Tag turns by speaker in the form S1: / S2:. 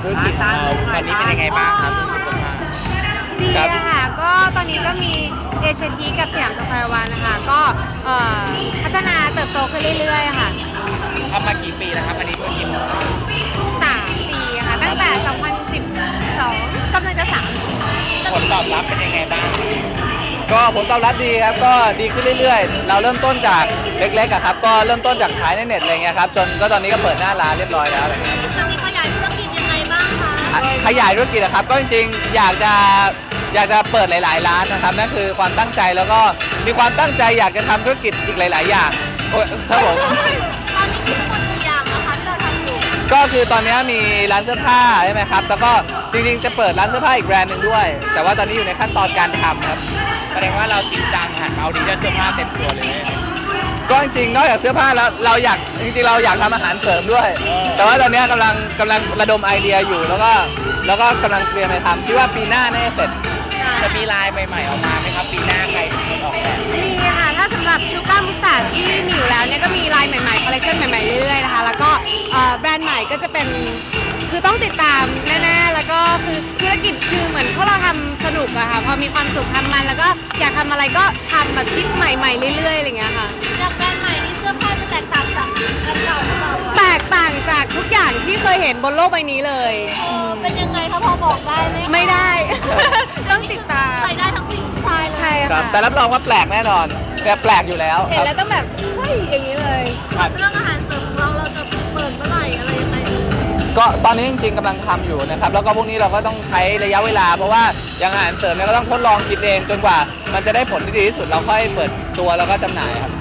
S1: ธุรกิจของเราตอนนี้เป็นยังไงบ้างครับ
S2: ดีอะค่ะก็ตอนนี้ก็มีเอเชียทีกับสยามสแควร์วันนะคะก็พัฒนาเติบโตขึ้นเรื่อยๆค่ะ
S1: ทำมากี่ปีแล้วครับอันนี้ธุรกิจของเรา
S2: 3 ปีค่ะตั้งแต่ 2012 กำลังจะ3
S1: ผลตอบรับเป็นยังไงบ้าง
S3: ก็ผลตอบรับดีครับก็ดีขึ้นเรื่อยๆเราเริ่มต้นจากเล็กๆอะครับก็เริ่มต้นจากขายในเน็ตอะไรเงี้ยครับจนก็ตอนนี้ก็เปิดหน้าร้านเรียบร้อยแล้วอะไรเงี้ย
S2: จะมีขยายธุรกิจยังไงบ้างคะ
S3: ขยายธุรกิจอะครับก็จริงๆอยากจะเปิดหลายๆร้านนะครับนั่นคือความตั้งใจแล้วก็มีความตั้งใจอยากจะทำธุรกิจอีกหลายๆอย่างครับผม
S2: ตอนนี้มีทั้งหมดกี่อย่างนะคะที่เราทำอยู่
S3: ก็คือตอนนี้มีร้านเสื้อผ้าใช่ไหมครับแล้วก็จริงๆจะเปิดร้านเสื้อผ้าอีกแบรนด์หนึ่งด้วยแต่ว่าตอนนี้อยู่ในขั้นตอนการทำครับ
S1: แสดงว่าเราจริงจังหันเอาดีเสื้อผ้าเต็มตัวเลย
S3: ก็จริงๆนอกจากเสื้อผ้าแล้วเราอยากทำอาหารเสริมด้วยแต่ว่าตอนนี้กำลังระดมไอเดียอยู่แล้วก็กำลังเตรียมไปทำคิดว่าปีหน้าน่าจะเสร็จ
S1: จะมีลายใหม่ๆออกมาไหมครับปีหน้าใครเป็นคนออกแบบ
S2: มีค่ะถ้าสำหรับชูการ์มุสตาร์ดที่มีอยู่แล้วเนี่ยก็มีลายใหม่ๆคอลเลคชันใหม่ๆเรื่อยๆนะคะแล้วก็แบรนด์ใหม่ก็จะเป็นคือต้องติดตามแน่ๆแล้วก็คือธุรกิจคือเหมือนพวกเราทำสนุกอะค่ะพอมีความสุขทำมันแล้วก็อยากทำอะไรก็ทำแบบคิดใหม่ๆเรื่อยๆอะไรอย่างเงี้ยค่ะ
S4: จากแบรนด์ใหม่นี้เสื้อผ้าจะแตกต่างจากแบรนด์เก่าหรือเปล่า
S2: แตกต่างจากทุกอย่างที่เคยเห็นบนโลกใบนี้เลย
S4: เป็นยังไงคะพอบอกได้ไหม
S2: ไม่ได้ต้องติดตาม
S4: ใส่ได้ทั้งผู้หญิงผู้ชายเลย
S2: ใช่ค่ะ
S3: แต่รับรองว่าแปลกแน่นอนแบบแปลกอยู่แล้ว
S2: เห็นแล้วต้องแบบเฮ้ยอย่างนี้เลย
S4: เรื่องอาหารเสริมของเราจะเปิดเมื่อไหร่อะไรยังไง
S3: ก็ตอนนี้จริงๆกำลังทำอยู่นะครับแล้วก็พวกนี้เราก็ต้องใช้ระยะเวลาเพราะว่าอย่างอาหารเสริมเนี่ยก็ต้องทดลองคิดเองจนกว่ามันจะได้ผลที่ดีที่สุดเราค่อยเปิดตัวแล้วก็จำหน่ายครับ